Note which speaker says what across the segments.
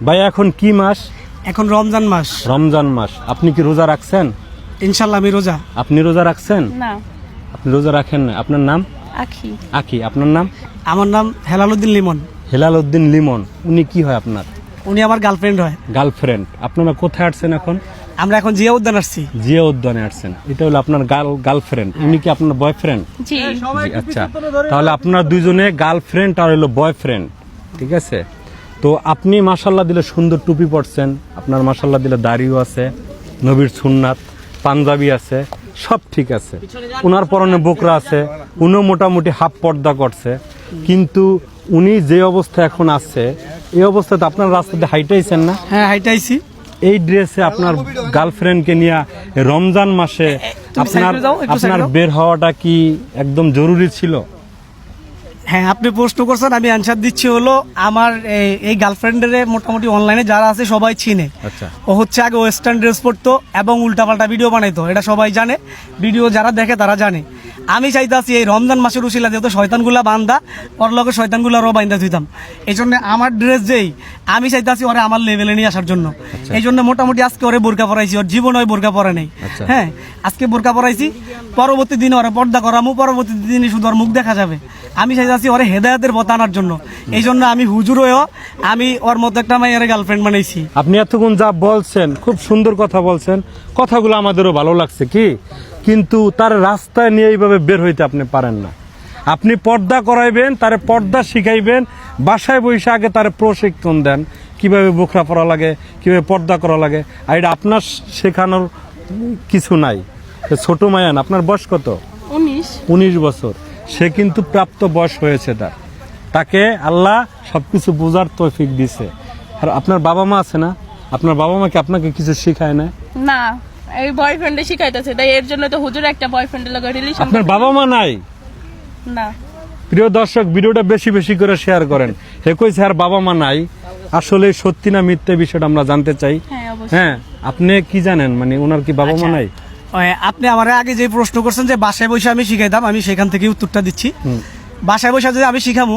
Speaker 1: ভাই এখন কি মাস?
Speaker 2: এখন রমজান মাস।
Speaker 1: রমজান মাস। আপনি কি রোজা রাখছেন?
Speaker 2: ইনশাল্লাহ আমি রোজা।
Speaker 1: আপনি রোজা রাখছেন?
Speaker 3: না।
Speaker 1: আপনি রোজা রাখেন না। আপনার নাম?
Speaker 3: আখি।
Speaker 1: আকি। আপনার নাম?
Speaker 2: আমার নাম হেলাল উদ্দিন লিমন।
Speaker 1: হেলাল উদ্দিন লিমন। উনি কি হয় আপনার?
Speaker 2: উনি আমার গার্লফ্রেন্ড হয়।
Speaker 1: গার্লফ্রেন্ড। আপনারা কোথায় আসছেন এখন?
Speaker 2: আমরা এখন জিয়া উদ্যান আসছি।
Speaker 1: জিয়া উদ্যানে আসছেন। এটা হলো আপনার গার্লফ্রেন্ড। উনি কি আপনার বয়ফ্রেন্ড?
Speaker 3: জি।
Speaker 1: আচ্ছা, তাহলে আপনার দুইজনে গার্লফ্রেন্ড আর হলো বয়ফ্রেন্ড, ঠিক আছে? তো আপনি মাশাল্লাহ দিলে সুন্দর টুপি পরছেন, আপনার মাশাল্লাহ দিলে দাড়িও আছে, নবীর সুন্নাত, পাঞ্জাবি আছে, সব ঠিক আছে। উনার পরনে বোকরা আছে, উনিও মোটামুটি হাফ পর্দা করছে, কিন্তু উনি যে অবস্থা এখন আছে এই অবস্থাতে আপনার রাস্তাতে হাইটাইছেন না?
Speaker 2: হ্যাঁ হাইটাইছি।
Speaker 1: এই ড্রেসে আপনার গার্লফ্রেন্ডকে নিয়ে রমজান মাসে আপনার বের হওয়াটা কি একদম জরুরি ছিল?
Speaker 2: হ্যাঁ আপনি প্রশ্ন করছেন, আমি অ্যান্সার দিচ্ছি। হলো আমার এই গার্লফ্রেন্ডের মোটামুটি অনলাইনে যারা আছে সবাই চিনে।
Speaker 1: আচ্ছা।
Speaker 2: ও হচ্ছে আগে ওয়েস্টার্ন ড্রেস পরতো এবং উল্টাপাল্টা ভিডিও বানাইতো, এটা সবাই জানে, ভিডিও যারা দেখে তারা জানে। আমি চাইতাছি এই রমজান মাসের উশিলা যেহেতু শয়তানগুলা বান্দা, ওর লগে শয়তানগুলারও বাইন্দা দিতাম। এই জন্য আমার ড্রেস যেই আমি চাইতাছি ওরে আমার লেভেলে নিয়ে আসার জন্য। এই জন্য মোটামুটি আজকে ওরে বোরকা পরাইছি, ওর জীবন ওই বোরকা পরে নেই। হ্যাঁ আজকে বোরকা পরাইছি, পরবর্তী দিনে ওরা পর্দা করামু, পরবর্তী দিনে শুধু ওর মুখ দেখা যাবে। আমি চাইতাছি ওরে হেদায়েতের পথ আনার জন্য। এই জন্য আমি হুজুর হয়েও আমি ওর মতো একটা মাইয়ারে গার্লফ্রেন্ড বানাইছি।
Speaker 1: আপনি এতক্ষণ যা বলছেন খুব সুন্দর কথা বলছেন, কথাগুলো আমাদেরও ভালো লাগছে কি, কিন্তু তার রাস্তায় নিয়ে এইভাবে বের হইতে আপনি পারেন না। আপনি পর্দা করাইবেন, তারে পর্দা শিখাইবেন, বাসায় বসে আগে তারে প্রশিক্ষণ দেন কিভাবে বোখরা পরা লাগে, কিভাবে পর্দা করা লাগে। আর এটা আপনার শেখানোর কিছু নাই। ছোট মায়ান, আপনার বয়স কত? 19 বছর। সে কিন্তু প্রাপ্ত বয়স হয়েছে তাকে আল্লাহ সবকিছু বোঝার তৌফিক দিছে। আর আপনার বাবা মা আছে না? আপনার বাবা মা কি আপনাকে কিছু শিখায় না?
Speaker 3: না, এই বয়ফ্রেন্ডে শিখাইতেছে, তাই এর জন্য তো হুজুর একটা বয়ফ্রেন্ডের লগে রিলেশন।
Speaker 1: আপনার বাবা মা নাই?
Speaker 3: না।
Speaker 1: প্রিয় দর্শক, ভিডিওটা বেশি বেশি করে শেয়ার করেন। হে কইছে আর বাবা মা নাই, আসলে সত্যি না মিথ্যে বিষয়টা আমরা জানতে চাই।
Speaker 3: হ্যাঁ অবশ্যই।
Speaker 1: হ্যাঁ, আপনি কি জানেন, মানে ওনার কি বাবা মা নাই?
Speaker 2: আপনি আমার আগে যে প্রশ্ন করছেন যে বাসায় বসে আমি শিখাইতাম, আমি সেখান থেকে উত্তরটা দিচ্ছি। বাসায় বসে যদি আমি শিখামু,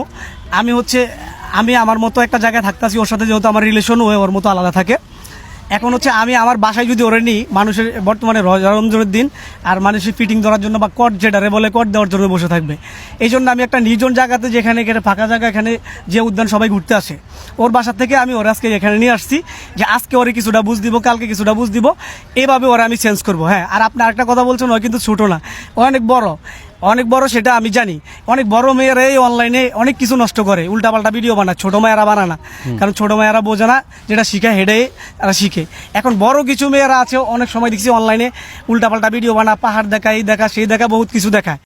Speaker 2: আমি আমার মতো একটা জায়গায় থাকতেছি, ওর সাথে যেহেতু আমার রিলেশন ওর মতো আলাদা থাকে। এখন হচ্ছে আমি আমার বাসায় যদি ওরে নিই, মানুষের বর্তমানে রমজানের দিন আর মানুষের ফিটিং ধরার জন্য বা কট যেটারে বলে কট দেওয়ার জন্য বসে থাকবে। এই জন্য আমি একটা নির্জন জায়গাতে, যেখানে ফাঁকা জায়গা, এখানে যে উদ্যান সবাই ঘুরতে আসে, ওর বাসা থেকে আমি ওরা আজকে এখানে নিয়ে আসছি যে আজকে ওরে কিছুটা বুঝ দিব, কালকে কিছুটা বুঝ দিব, এইভাবে ওরা আমি চেঞ্জ করবো। হ্যাঁ, আর আপনি আরেকটা কথা বলছেন, ও কিন্তু ছোটো না, ও অনেক বড়, সেটা আমি জানি। অনেক বড় মেয়েরা এই অনলাইনে অনেক কিছু নষ্ট করে, উল্টাপাল্টা ভিডিও বানায়, ছোট মেয়েরা বানায় না, কারণ ছোট মেয়েরা বোঝে না, যেটা শিখে হেডে তারা শিখে। এখন বড় কিছু মেয়েরা আছে, অনেক সময় দেখছি অনলাইনে উল্টাপাল্টা ভিডিও বানা, পাহাড় দেখা, এই দেখা, সেই দেখা, বহুত কিছু দেখায়।